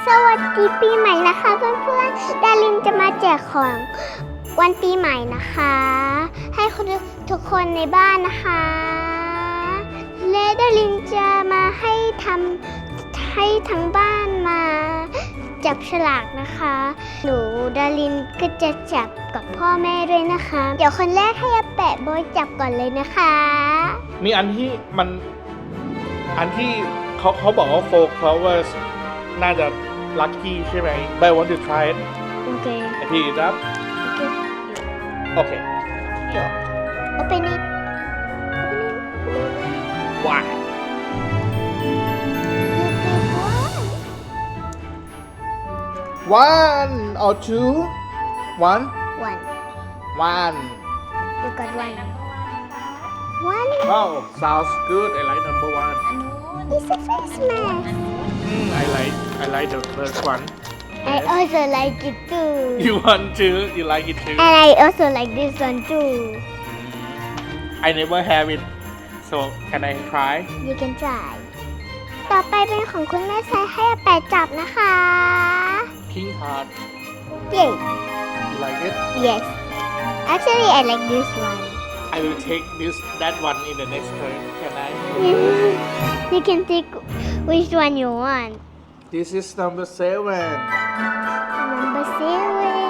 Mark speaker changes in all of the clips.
Speaker 1: สวัสดีปีใหม่นะคะเพื่อนๆดารินจะมาแจกของวันปีใหม่นะคะ ให้ทุกคนในบ้านนะคะและดารินจะมาให้ทั้งบ้านมาจับฉลากนะคะหนูดารินก็จะจับกับพ่อแม่ด้วยนะคะเดี๋ยวคนแรกให้อาแปะโบยจับก่อนเลยนะคะ
Speaker 2: มีอันที่เขาบอกว่า4 flowers น่าจะ lucky ใช่ไหม but I want to try it
Speaker 1: โอเค
Speaker 2: I pick it up โอเค
Speaker 1: Open it
Speaker 2: why one or two one
Speaker 1: One You got one
Speaker 2: wow sounds good I like number one
Speaker 1: It's a face mask
Speaker 2: I like the first one
Speaker 1: I also like it too
Speaker 2: you want to you like it too
Speaker 1: And I also like this one too
Speaker 2: I never have it so can I try
Speaker 1: You can try ต่อไปเป็นของคุณแม่ใช้ให้อาแปะจับนะคะ
Speaker 2: pink heart
Speaker 1: Yay
Speaker 2: you like it
Speaker 1: Yes Actually I like this one
Speaker 2: I will take that one in the next turn can I
Speaker 1: You can take which one you want
Speaker 2: this is number 7
Speaker 1: Number 7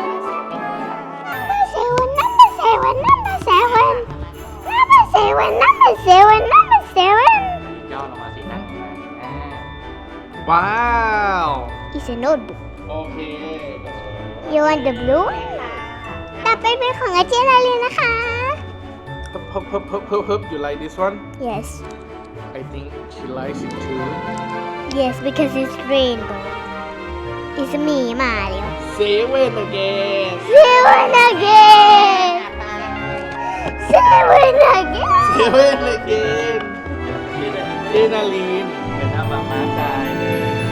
Speaker 1: Number 7 Number 7 Number 7 Number 7 Number 7
Speaker 3: ย่อลงมาสินะ
Speaker 2: ว้าว
Speaker 1: It's a notebook
Speaker 2: โอเค
Speaker 1: You want the blue ต่อไปเป็นของอาเจนอาลีนะคะ
Speaker 2: You like this one
Speaker 1: Yes
Speaker 2: I think she likes it too
Speaker 1: Yes because it's rainbow It's หมีมาแล้ว
Speaker 2: 7 again
Speaker 1: 7 again 7 again
Speaker 2: 7 again เจนาลีน
Speaker 3: เป็นน้ำมาม้าทรายเลย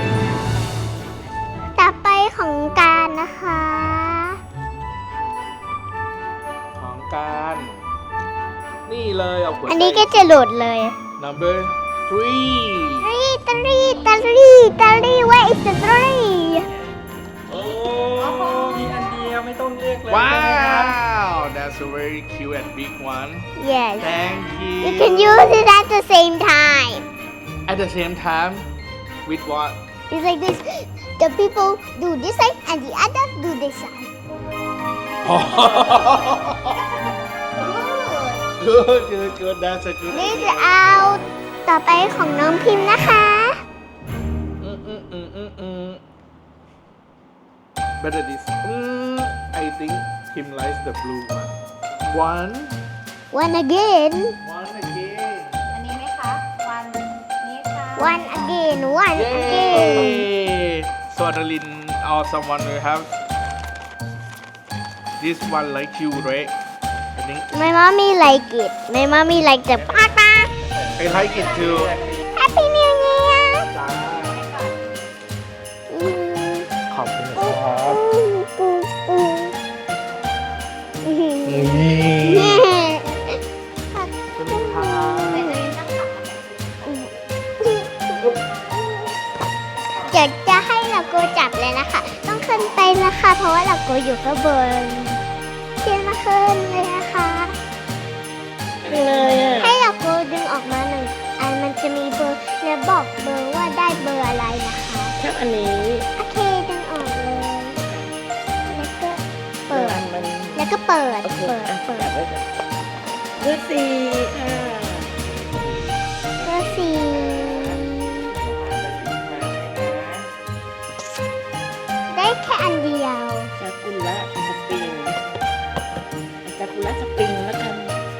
Speaker 1: ต่อไปของการนะคะ
Speaker 2: ของการนี่เลยเอาหัวใจ
Speaker 1: อันนี้ก็จะหลุดเลย
Speaker 2: number 3
Speaker 1: three Where is the three
Speaker 3: โอ้มีอันเดียวไม่ต้องเรียกเลย
Speaker 2: wow that's a very cute and big one
Speaker 1: Yes
Speaker 2: thank you
Speaker 1: You can use it at the same time
Speaker 2: at the same time with what
Speaker 1: It's like this The people do this side and the others do this side
Speaker 2: good that's a good
Speaker 1: นี่จะเอาต่อไปของน้องพิมพ์นะคะ
Speaker 2: better this I think Kim likes the blue one
Speaker 1: One again
Speaker 2: one again
Speaker 4: อันนี้ไหมคะวันนี้ค่ะ
Speaker 1: One again One again
Speaker 2: yay so Adeline or someone will have this one like you right I think
Speaker 1: My mommy like it My mommy like the papa
Speaker 2: I like it too
Speaker 1: Happy New Year
Speaker 2: ขอบคุณครับ
Speaker 1: เดี๋ยวจะให้เราโกจับเลยนะคะ ต้องขึ้นไปนะคะ เพราะว่าเราโกอยู่ข้างบนเทียนมาขึ้นเลยนะคะ
Speaker 3: เลยอ่ะ
Speaker 1: ให้เราโกดึงออกมาหนึ่งอันมันจะมีเบอร์และบอกเบอร์ว่าได้เบอร์อะไรนะคะ
Speaker 3: ชอบอันนี้
Speaker 1: โอเคดึงออกเลย แล้วก็เปิด
Speaker 3: มัน
Speaker 1: แล้วก็เปิด
Speaker 3: โอเค
Speaker 1: เปิด
Speaker 3: อ่ะ
Speaker 1: เปิด
Speaker 3: จับไว้ก่อนเบอร์สี่ค่ะ
Speaker 1: เบอร์สี่ได้แค่อันเดียว
Speaker 3: ซากุระสปริงซากุระสปริงแล้วกัน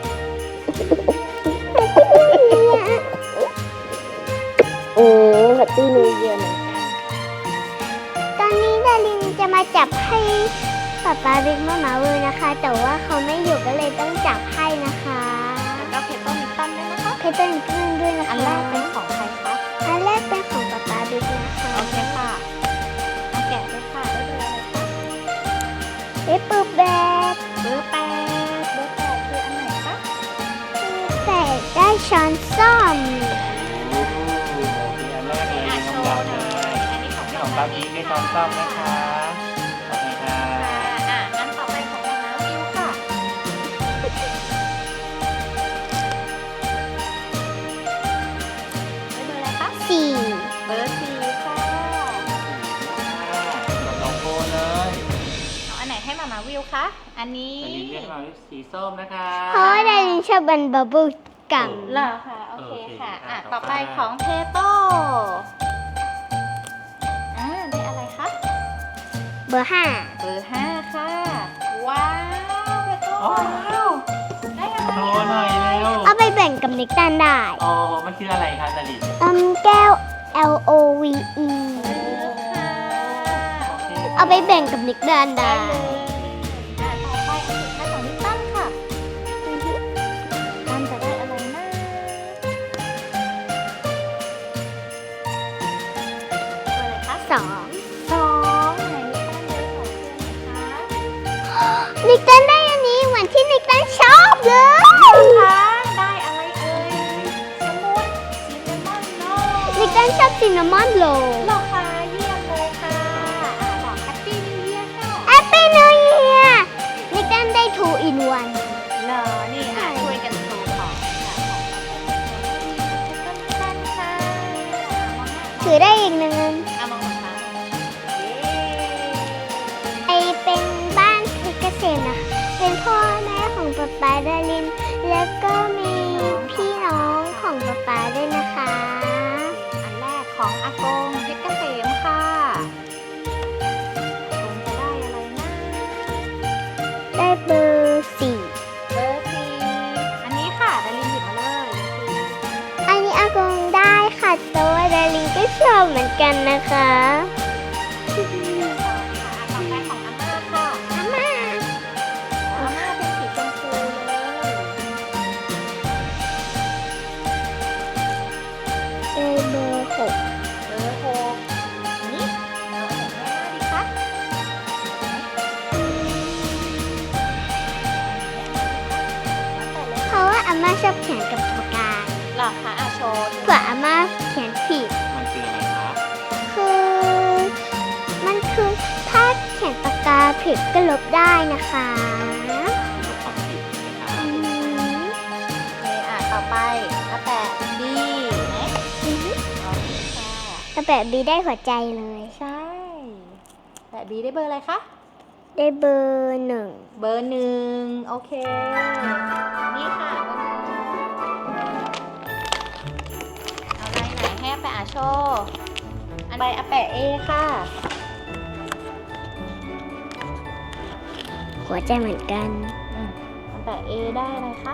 Speaker 3: แฮปปี้นิวเยียร์เหมือนกัน
Speaker 1: ตอนนี้ดารินจะมาจับให้ป๊าป๊าบิ๊กมามาเวอร์นะคะ แต่ว่าเขาไม่อยู่ก็เลยต้องจับให้นะคะ
Speaker 4: แล้วเพชรต้นนิตตันด้วยนะคะ
Speaker 1: เพชรต้นกึ้งด้วยนะคะ
Speaker 4: อันแรกเป็นของใครคะ
Speaker 1: อันแรกเป็นของป๊าป๊าบิ๊กนะคะ
Speaker 4: โอเคค่ะเอาแกะเลยค่ะได้เลยค่ะ
Speaker 1: เอ๊ะปุ๊บแบบ
Speaker 4: เบอร์แปดเบอร์แปดคืออันไหนคะ
Speaker 1: แต่ได้ช้อนส้อม
Speaker 3: มีอันแรกเลย
Speaker 4: โช
Speaker 3: น้ำ
Speaker 4: ว์
Speaker 3: ยา
Speaker 4: หน่อยอันนี้ของ
Speaker 3: ของใคร
Speaker 5: ครับยิ้มให้ช้อนซ่อมนะคะโอเคค่ะ
Speaker 4: งั้นต่อไปของน้าวิวค่ะได้เบอร์อะไรคะ
Speaker 1: สี่
Speaker 4: เบอร์สี่ค่ะ
Speaker 5: กับน้องโบเลย
Speaker 4: เอาอันไหนให้มาวิวคะ อันนี้
Speaker 5: แต่ลินเรียกมาสีส้มนะคะ
Speaker 1: เพราะว่าดารินชอบบันบับเบิ้ลกัม
Speaker 4: เหรอคะโอเคค่ะ
Speaker 5: ต่
Speaker 4: ต่
Speaker 5: อ
Speaker 4: อ
Speaker 5: ไป
Speaker 4: ไปของเพโต้ได้อะไรคะ
Speaker 1: เบอร์ห้า
Speaker 4: เบอร์ห้าค่ะ ว้าวเพโต้
Speaker 5: ว้าว
Speaker 4: ได้อะไร
Speaker 5: โชว์หน่อยเร็ว
Speaker 1: เอาไปแบ่งกับนิกตันได้
Speaker 5: อ๋อมันคืออะไรคะดาริน
Speaker 1: แก้ว L O V E
Speaker 5: โอเค
Speaker 1: เอาไปแบ่งกับนิกตันได้
Speaker 4: ต่อไปอันสุดท้ายของนิตันค่ะตันจะได้อะไรนะเบอร์อะไรคะ
Speaker 1: สอง
Speaker 4: สองไหนนิตันเบอร์สองเพื่อนไหนคะ
Speaker 1: นิกตันได้อันนี้เหมือนที่นิกตันชอบเลย
Speaker 4: คะได้อะไรเอ่ยสมุดซินนามอนโล
Speaker 1: นิกตันชอบซินนามอนโรล
Speaker 4: หรอคะเยี่ยมเลยค่ะบอกแฮปปี้นิวเยียร์ค่ะ
Speaker 1: แอปเปิลนิวเยียร์นิกตันได้ 2 in 1
Speaker 4: เหรอนี่ช่วยกันโชว์ของค่ะของตันค่ะ
Speaker 1: ถือได้อีกหนึ่ง
Speaker 4: เอามองค่ะ
Speaker 1: ไอเป็นบ้านเพชรเกษมนะคะเป็นพ่อแม่ของป๊าป๊าดาริน แล้วก็มีพี่น้องของป๊าป๊าด้วยนะคะ
Speaker 4: อันแรกของอากงเพชรเกษมค่ะคงจะได้อะไรนะ
Speaker 1: ได้เบอร์สี่
Speaker 4: เบอร์สี่อันนี้ค่ะดารินหยิบมาเลย
Speaker 1: อันนี้อากงได้ค่ะแต่ว่าดารินก็ชอบเหมือนกันนะคะ
Speaker 4: ต่อไปของอาม่าค่ะ
Speaker 1: อาม่า
Speaker 4: อาม่าเป็นสีชมพูเลย
Speaker 1: ได้เบอร์หก
Speaker 4: เบอร์หกอันนี้เอาอันไหนให้อาม่าดีคะ
Speaker 1: เพราะว่าอาม่าชอบเขียนกับปากกา
Speaker 4: หรอคะโชว์
Speaker 1: เผื่ออาม่าเขียนผิด
Speaker 5: มันคืออะไรครับ
Speaker 1: มันคือถ้าเขียนปากกาผิดก็ลบได้นะคะ
Speaker 5: ลบความผิดนะคะ
Speaker 1: อืม
Speaker 4: ต่อไปอาแปะดีไหม
Speaker 1: อือฮึ
Speaker 4: โอเคค่ะ
Speaker 1: กระแปะบีได้หัวใจเลย
Speaker 4: ใช่แปะบีได้เบอร์อะไรคะ
Speaker 1: ได้เบอร์หนึ่ง
Speaker 4: เบอร์หนึ่งโอเค นี่ค่ะเบอร์หนึ่งเอาอะไรไหนให้อาแปะโชว์อันใบอาแปะเอค่ะ
Speaker 1: หัวใจเหมือนกัน
Speaker 4: อาแปะเอได้อะไรคะ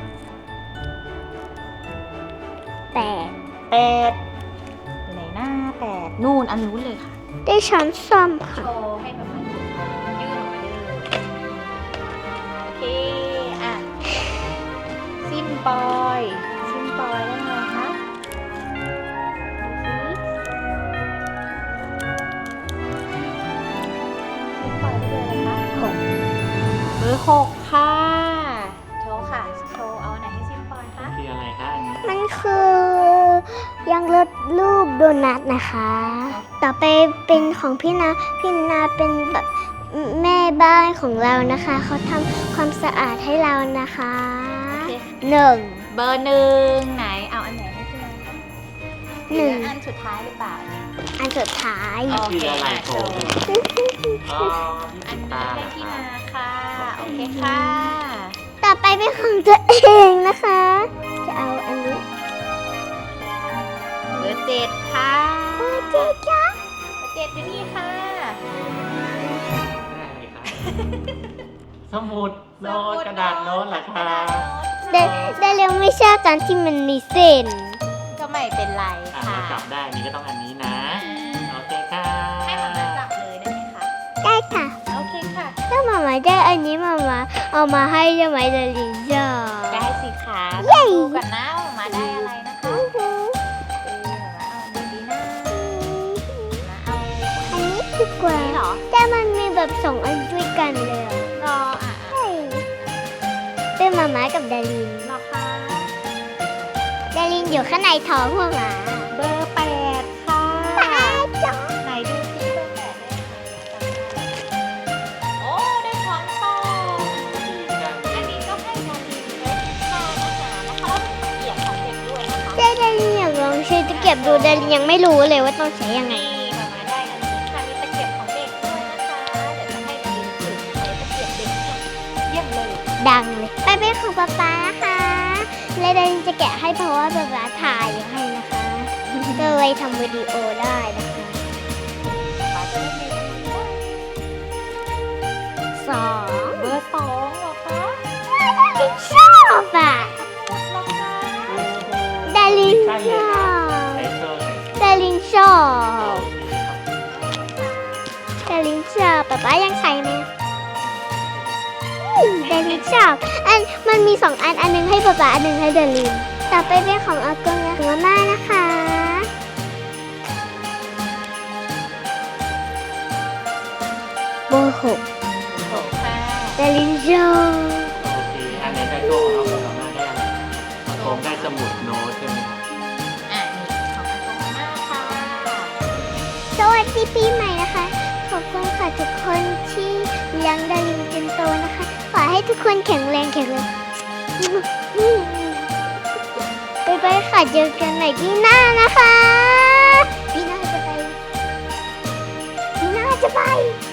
Speaker 1: แปด
Speaker 4: แปดอยู่ไหนหน้าแปดนู่นอันนู้นเลยค่ะ
Speaker 1: ได้ช้อนส้อมค่ะ
Speaker 4: โชว์ให้แบบมันยืดออกมาเลยโอเค ซิมปอยซิมปอยได้ไงคะดูสิซิมปอยได้เบอร์อะไรคะ
Speaker 1: หก
Speaker 4: เบอร์หกค่ะ โชว์ค่ะ โชว์เอาอันไหนให้ซิมปอยคะ
Speaker 5: คืออะไรคะอันนี้
Speaker 1: มันคือยังลดรูปโดนัทนะคะ ต่อไปเป็นของพี่นาเป็นแบบแม่บ้านของเรานะคะ เขาทำความสะอาดให้เรานะคะ
Speaker 4: โอเค
Speaker 1: หนึ่ง
Speaker 4: เบอร์หนึ่งไหน เอาอันไหนให้ซิมปอยคะ
Speaker 1: หนึ่ง
Speaker 4: รืออันสุดท้ายหรือเปล่า
Speaker 1: อันสุดท้าย
Speaker 5: มันคืออะไรโชว์ อ๋อ
Speaker 4: อัน
Speaker 5: ตา
Speaker 4: นี้
Speaker 5: เหร
Speaker 4: ได้
Speaker 5: อ
Speaker 4: ที่
Speaker 5: คะ
Speaker 4: มาค่ะ โอเคค่ะ
Speaker 1: ต่อไปเป็นของตัวเองนะคะ จะเอาอันนี้
Speaker 4: เบอร์เจ็ดค่ะ
Speaker 1: โอ้เจ๊จ้า
Speaker 4: เบอร์เจ็ดอยู่นี่ค่ะ
Speaker 5: ได้อะไรคะสมุดโน้ตกระดาษโน้ตเหรอคะ
Speaker 1: ได้เร็วไม่ชอบตอนที่มันมีเส้น
Speaker 4: ก็ไม่เป็นไร
Speaker 5: อ่ะ
Speaker 4: ค่ะ
Speaker 5: เราจับได้นี่ก็ต้องอันนี้นะ โอเคค่ะ
Speaker 4: ให้หมาจับเลยได้ไหมคะ
Speaker 1: ได้ค่ะ
Speaker 4: โอเคค่ะ
Speaker 1: ถ้ามาได้อันนี้มาเอามาให้ได้ไหมดารินจ้า
Speaker 4: ได้สิคะ
Speaker 1: เย้
Speaker 4: ดูกันนะว่าหมาได้อะไรนะคะ
Speaker 1: อื้อหือ
Speaker 4: หมาเอาอันนี้ดีนะหมาเอา
Speaker 1: อันนี้ดีกว่า
Speaker 4: อันนี้เหรอ
Speaker 1: แต่มันมีแบบสองอันด้วยกันเลยอะ
Speaker 4: รอ
Speaker 1: ใช่เป็นหมากับดาริน
Speaker 4: รอคะ
Speaker 1: ดารินอยู่ข้างในท้องหัวหมา
Speaker 4: เบอร์แปดค่ะ
Speaker 1: ป้าจ๋า
Speaker 4: ไหนดูสิ
Speaker 1: ดารินยังไม่รู้เลยว่าต้องใช้ยังไง
Speaker 4: นี่มามาได้อันนี้ค่ะมีตะเกียบของเด็กด้วยนะคะ เดี๋ยวจะให้ดารินฝึกใช้ตะเกียบเด็กเนี่ยเยี่ยมเลย
Speaker 1: ดังเลยไปเป็นของป๊าป๊านะคะและดารินจะแกะให้เพราะว่าป๊าป๊าถ่ายอยู่ให้นะคะก็เลยทำวิดีโอได้นะคะ
Speaker 4: ป๋าจะได้มีอันนี้ได้
Speaker 1: สอง
Speaker 4: เบอร์2เหรอคะ
Speaker 1: ชอบอ่ะ
Speaker 4: เหรอคะ
Speaker 1: ดาริน
Speaker 5: ใช่
Speaker 1: ช
Speaker 5: เลย
Speaker 1: อ
Speaker 5: ครับ
Speaker 1: บ
Speaker 5: ไอโซน
Speaker 1: ดารินชอ
Speaker 5: โอบ เคครับ
Speaker 1: ดารินชอบป๊าป๊ายังใช้ไหมดารินชอบมันมี2 อันหนึงให้ป๊าป๊าอันหนึงให้ดารินต่อไปเป็นของอากงและของอาม่านะคะเบอร์6
Speaker 4: โอ้ค่ะ
Speaker 1: ดารินชอบ
Speaker 5: โอเคอันไหนได้โก้เอาของมาได้อะไรผมได้สมุดโน้ตใช่ไหมครับ
Speaker 4: อ่ะนี่ของอากงอาม่าค่ะ
Speaker 1: สวัสดีปีใหม่นะคะ ขอบคุณค่ะทุกคนที่เลี้ยงดารินจนโตนะคะ ขอให้ทุกคนแข็งแรงบ๊ายบายค่ะเจอกันใหม่ปีหน้านะคะปีหน้าจะไป